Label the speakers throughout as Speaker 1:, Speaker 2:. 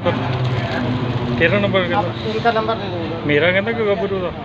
Speaker 1: तेरा नंबर
Speaker 2: इनका नंबर दे दूँगा।
Speaker 1: मेरा कहना कि गब्बरू का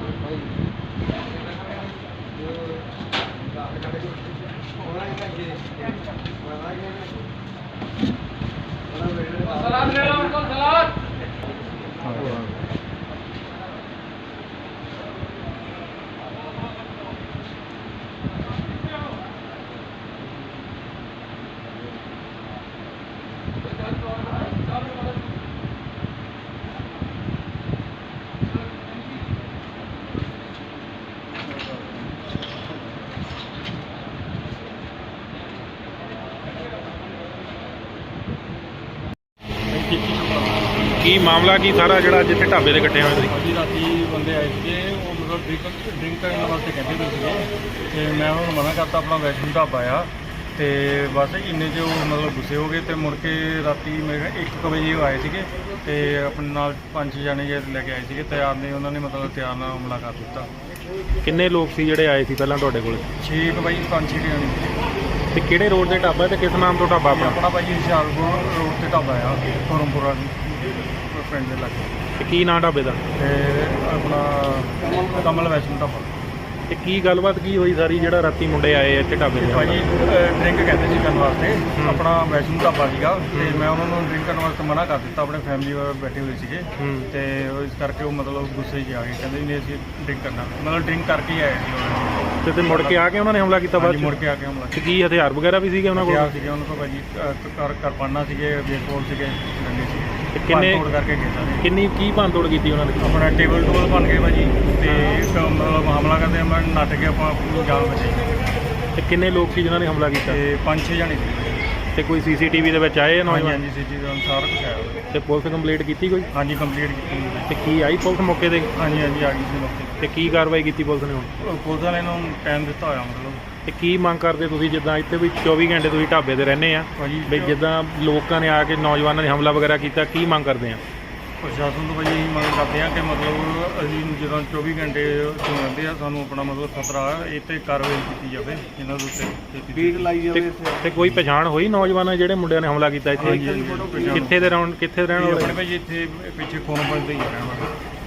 Speaker 1: ਕੀ ਮਾਮਲਾ ਕੀ ਸਾਰਾ ਜਿਹੜਾ ਜਿੱਥੇ ਢਾਬੇ ਤੇ ਇਕੱਠੇ ਹੋਏ ਤੁਸੀਂ?
Speaker 3: ਜੀ ਰਾਤੀ ਬੰਦੇ ਆਏ ਸੀਗੇ, ਉਹ ਮਤਲਬ ਡਰਿੰਕ ਕਰਨ ਵਾਸਤੇ ਕਹਿੰਦੇ ਪਏ ਸੀਗੇ ਤੇ ਮੈਂ ਉਹਨਾਂ ਨੂੰ ਮਨਾ ਕਰਤਾ, ਆਪਣਾ ਵੈਸ਼ਨੂ ਢਾਬਾ ਆ ਤੇ ਬਸ ਇੰਨੇ 'ਚ ਉਹ ਮਤਲਬ ਗੁੱਸੇ ਹੋ ਗਏ ਤੇ ਮੁੜ ਕੇ ਰਾਤੀ ਮੇਰੇ 1 ਵਜੇ ਉਹ ਆਏ ਸੀਗੇ ਤੇ ਆਪਣੇ ਨਾਲ 5 ਜਣੇ ਲੈ ਕੇ ਆਏ ਸੀਗੇ ਤਿਆਰ ਨੇ, ਉਹਨਾਂ ਨੇ ਮਤਲਬ ਤਿਆਰ ਨਾਲ ਹਮਲਾ ਕਰ ਦਿੱਤਾ।
Speaker 1: ਕਿੰਨੇ ਲੋਕ ਸੀ ਜਿਹੜੇ ਆਏ ਸੀ ਪਹਿਲਾਂ ਤੁਹਾਡੇ ਕੋਲ?
Speaker 3: 6 ਵਜੇ 5-6 ਜਣੇ
Speaker 1: ਤੇ ਕਿਹੜੇ ਰੋਡ ਤੇ ਢਾਬਾ ਤੇ ਕਿਸ ਨਾਮ ਤੋਂ ਢਾਬਾ ਆਪਣਾ?
Speaker 3: ਆਪਣਾ ਭਾਜੀ ਹੁਸ਼ਿਆਰਪੁਰ ਰੋਡ ਤੇ ਢਾਬਾ ਆ, ਫੋਰਮਪੁਰਾ ਪਿੰਡ ਦੇ ਲਾਗੇ।
Speaker 1: ਤੇ ਕੀ ਨਾਂ ਢਾਬੇ ਦਾ?
Speaker 3: ਤੇ ਆਪਣਾ ਕਮਲ ਵੈਸ਼ਨੂ ਢਾਬਾ।
Speaker 1: ਤੇ ਕੀ ਗੱਲਬਾਤ ਕੀ ਹੋਈ ਸਾਰੀ ਜਿਹੜਾ ਰਾਤੀ ਮੁੰਡੇ ਆਏ ਇੱਥੇ ਢਾਬੇ ਤੇ?
Speaker 3: ਭਾਜੀ ਡਰਿੰਕ ਕਹਿੰਦੇ ਸੀ ਕਰਨ ਵਾਸਤੇ, ਆਪਣਾ ਵੈਸ਼ਨੂ ਢਾਬਾ ਸੀਗਾ ਤੇ ਮੈਂ ਉਹਨਾਂ ਨੂੰ ਡਰਿੰਕ ਕਰਨ ਵਾਸਤੇ ਮਨਾ ਕਰ ਦਿੱਤਾ, ਆਪਣੇ ਫੈਮਿਲੀ ਵਾਲੇ ਬੈਠੇ ਹੋਏ ਸੀਗੇ ਤੇ ਇਸ ਕਰਕੇ ਉਹ ਮਤਲਬ ਗੁੱਸੇ 'ਚ ਆ ਗਏ, ਕਹਿੰਦੇ ਨਹੀਂ ਅਸੀਂ ਡਰਿੰਕ ਕਰਨਾ, ਮਤਲਬ ਡਰਿੰਕ ਕਰਕੇ ਹੀ ਆਏ ਸੀ ਉਹਨਾਂ
Speaker 1: ਤੇ ਮੁੜ ਕੇ ਆ ਕੇ ਉਹਨਾਂ ਨੇ ਹਮਲਾ ਕੀਤਾ ਬਾਅਦ
Speaker 3: ਮੁੜ ਕੇ ਆ ਕੇ ਹਮਲਾ
Speaker 1: ਤੇ ਕੀ ਹਥਿਆਰ ਵਗੈਰਾ ਵੀ ਸੀਗੇ ਉਹਨਾਂ ਕੋਲ?
Speaker 3: ਸੀਗੇ ਉਹਨਾਂ ਕੋਲ ਭਾਜੀ, ਕਿਰਪਾਨਾਂ ਸੀਗੇ, ਬੇਸਬਾਲ ਸੀਗੇ, ਡੰਡੇ ਸੀਗੇ।
Speaker 1: ਤੇ ਕਿੰਨੇ
Speaker 3: ਤੋੜ ਕਰਕੇ ਗਏ ਸਾਰੇ।
Speaker 1: ਕਿੰਨੀ ਕੀ ਭੰਨ ਤੋੜ ਕੀਤੀ ਉਹਨਾਂ ਨੇ?
Speaker 3: ਆਪਣਾ ਟੇਬਲ ਟੂਬਲ ਬਣ ਗਏ ਭਾਜੀ ਤੇ ਇੱਕ ਮਤਲਬ ਹਮਲਾ ਕਰਦੇ ਮੈਂ ਨੱਠ ਕੇ ਆਪਾਂ ਆਪਣੀ ਜਾਨ ਬਚਾਈ।
Speaker 1: ਤੇ ਕਿੰਨੇ ਲੋਕ ਸੀ ਜਿਨ੍ਹਾਂ ਨੇ ਹਮਲਾ ਕੀਤਾ?
Speaker 3: ਤੇ 5-6 ਜਣੇ ਸੀ।
Speaker 1: ਤੇ ਕੋਈ ਸੀਸੀਟੀਵੀ ਦੇ ਵਿੱਚ ਆਏ ਨੌਜਵਾਨ?
Speaker 3: ਹਾਂਜੀ ਸੀਟੀ ਦਾ ਸਾਰਾ ਕੁਝ ਆਇਆ ਹੋਇਆ।
Speaker 1: ਤੇ ਪੁਲਿਸ ਕੰਪਲੀਟ ਕੀਤੀ ਕੋਈ?
Speaker 3: ਹਾਂਜੀ ਕੰਪਲੀਟ ਕੀਤੀ।
Speaker 1: ਤੇ ਕੀ ਆਈ ਪੁਲਿਸ ਮੌਕੇ ਤੇ?
Speaker 3: ਹਾਂਜੀ ਆ ਗਈ ਸੀ ਮੌਕੇ
Speaker 1: ਤੇ ਕੀ ਕਾਰਵਾਈ ਕੀਤੀ ਪੁਲਿਸ ਨੇ ਹੁਣ?
Speaker 3: ਪੁਲਿਸ ਵਾਲਿਆਂ ਨੂੰ ਟਾਈਮ ਦਿੱਤਾ ਹੋਇਆ ਮਤਲਬ।
Speaker 1: ਤੇ ਕੀ ਮੰਗ ਕਰਦੇ ਤੁਸੀਂ, ਜਿੱਦਾਂ ਇੱਥੇ ਵੀ 24 ਘੰਟੇ ਤੁਸੀਂ ਢਾਬੇ ਤੇ ਰਹਿੰਦੇ ਆ
Speaker 3: ਭਾਜੀ
Speaker 1: ਵੀ ਜਿੱਦਾਂ ਲੋਕਾਂ ਨੇ ਆ ਕੇ ਨੌਜਵਾਨਾਂ ਨੇ ਹਮਲਾ ਵਗੈਰਾ ਕੀਤਾ, ਕੀ ਮੰਗ ਕਰਦੇ ਆ?
Speaker 3: ਪ੍ਰਸ਼ਾਸਨ ਤੋਂ ਭਾਜੀ ਮੰਗ ਕਰਦੇ ਆ ਕਿ ਮਤਲਬ ਅਸੀਂ ਜਦੋਂ 24 ਘੰਟੇ ਤੋਂ ਰਹਿੰਦੇ ਆ, ਸਾਨੂੰ ਆਪਣਾ ਮਤਲਬ ਖਤਰਾ ਇਹ 'ਤੇ ਕਾਰਵਾਈ ਕੀਤੀ ਜਾਵੇ, ਇਹਨਾਂ ਦੇ ਉੱਤੇ ਬੀਟ ਲਾਈ ਜਾਵੇ।
Speaker 1: ਤੇ ਕੋਈ ਪਛਾਣ ਹੋਈ ਨੌਜਵਾਨਾਂ ਜਿਹੜੇ ਮੁੰਡਿਆਂ ਨੇ ਹਮਲਾ ਕੀਤਾ ਇੱਥੇ? ਕਿੱਥੇ ਦੇ ਰਹਿਣ ਵਾਲੇ?
Speaker 3: ਆਪਣੇ ਭਾਜੀ ਇੱਥੇ ਪਿੱਛੇ ਫੋਨ ਦੇ ਹੀ ਰਹਿਣ ਵਾਲੇ।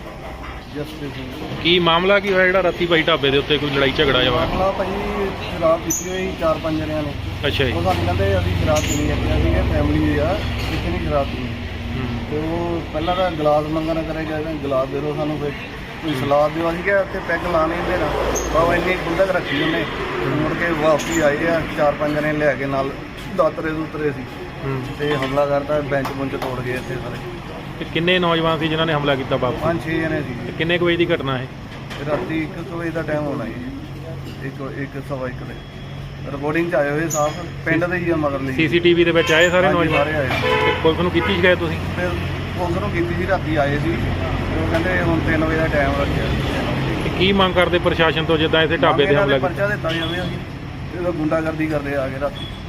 Speaker 1: ਕੀ ਮਾਮਲਾ ਕੀ ਹੋਇਆ ਜਿਹੜਾ ਰਾਤੀ ਭਾਈ ਢਾਬੇ ਦੇ ਉੱਤੇ ਕੋਈ ਲੜਾਈ ਝਗੜਾ ਜਾਵਾ?
Speaker 2: ਮਾਮਲਾ ਭਾਜੀ ਸ਼ਰਾਬ ਪੀਤੀ ਹੋਈ 4-5 ਜਣਿਆਂ ਨੇ।
Speaker 1: ਅੱਛਾ ਜੀ।
Speaker 2: ਉਹ ਸਾਨੂੰ ਕਹਿੰਦੇ ਅਸੀਂ ਸ਼ਰਾਬ ਪੀਣੀ ਹੈ, ਸੀਗੇ ਫੈਮਿਲੀ ਆ ਕਿਸੇ ਨਹੀਂ ਸ਼ਰਾਬ ਪੀਣੀ। ਤੇ ਉਹ ਪਹਿਲਾਂ ਤਾਂ ਗਲਾਸ ਮੰਗਣ ਕਰੇ ਗਏ, ਗਲਾਸ ਦੇ ਦਿਓ ਸਾਨੂੰ, ਫਿਰ ਕੋਈ ਸਲਾਦ ਦਿਓ। ਅਸੀਂ ਕਿਹਾ ਉੱਥੇ ਪੈਗ ਲਾ ਨਹੀਂ ਦੇਣਾ, ਬਾਬਾ ਇੰਨੀ ਗੁੰਡਕ ਰੱਖੀ ਉਹਨੇ। ਮੁੜ ਕੇ ਵਾਪਸੀ ਆਏ ਆ 4-5 ਜਣੇ ਲੈ ਕੇ, ਨਾਲ ਦਾਤਰੇ ਦੂਤਰੇ ਸੀ ਤੇ ਹਮਲਾ ਕਰਤਾ, ਬੈਂਚ ਬੁੰਚ ਤੋੜ ਗਏ ਇੱਥੇ ਸਾਰੇ।
Speaker 1: ਤੇ ਕਿੰਨੇ ਨੌਜਵਾਨ ਸੀ ਜਿਨ੍ਹਾਂ ਨੇ ਹਮਲਾ ਕੀਤਾ ਬਾਪ?
Speaker 2: 5-6 ਜਣੇ ਸੀ।
Speaker 1: ਤੇ ਕਿੰਨੇ ਕੁ ਵਜੇ ਦੀ ਘਟਨਾ ਹੈ?
Speaker 2: ਰਾਤੀ 1 ਵਜੇ ਦਾ ਟਾਈਮ ਹੋਣਾ ਜੀ, 1-1:15 ਦੇ। ਰਿਪੋਰਟਿੰਗ 'ਚ ਆਏ ਹੋਏ ਸਾਫ ਪਿੰਡ ਦੇ ਹੀ ਆ ਮਗਰ ਲਈ।
Speaker 1: ਸੀਸੀਟੀਵੀ ਦੇ ਵਿੱਚ ਆਏ ਸਾਰੇ ਨੌਜਵਾਨ?
Speaker 2: ਸਾਰੇ ਆਏ।
Speaker 1: ਤੇ ਪੁਲਿਸ ਨੂੰ ਕੀਤੀ ਸ਼ਿਕਾਇਤ ਤੁਸੀਂ?
Speaker 2: ਫਿਰ ਪੁਲਿਸ ਨੂੰ ਕੀਤੀ ਸੀ, ਰਾਤੀ ਆਏ ਸੀ, ਉਹ ਕਹਿੰਦੇ ਹੁਣ 3 ਵਜੇ ਦਾ ਟਾਈਮ ਰੱਖਿਆ।
Speaker 1: ਤੇ ਕੀ ਮੰਗ ਕਰਦੇ ਪ੍ਰਸ਼ਾਸਨ ਤੋਂ ਜਿੱਦਾਂ ਇੱਥੇ ਢਾਬੇ ਤੇ ਹਮਲਾ ਕੀਤਾ?
Speaker 2: ਪਰਚਾ ਦਿੱਤਾ ਜਾਵੇ, ਅਸੀਂ ਇਹ ਗੁੰਡਾਗਰਦੀ ਕਰਦੇ ਆ ਕੇ ਰਾਤੀ।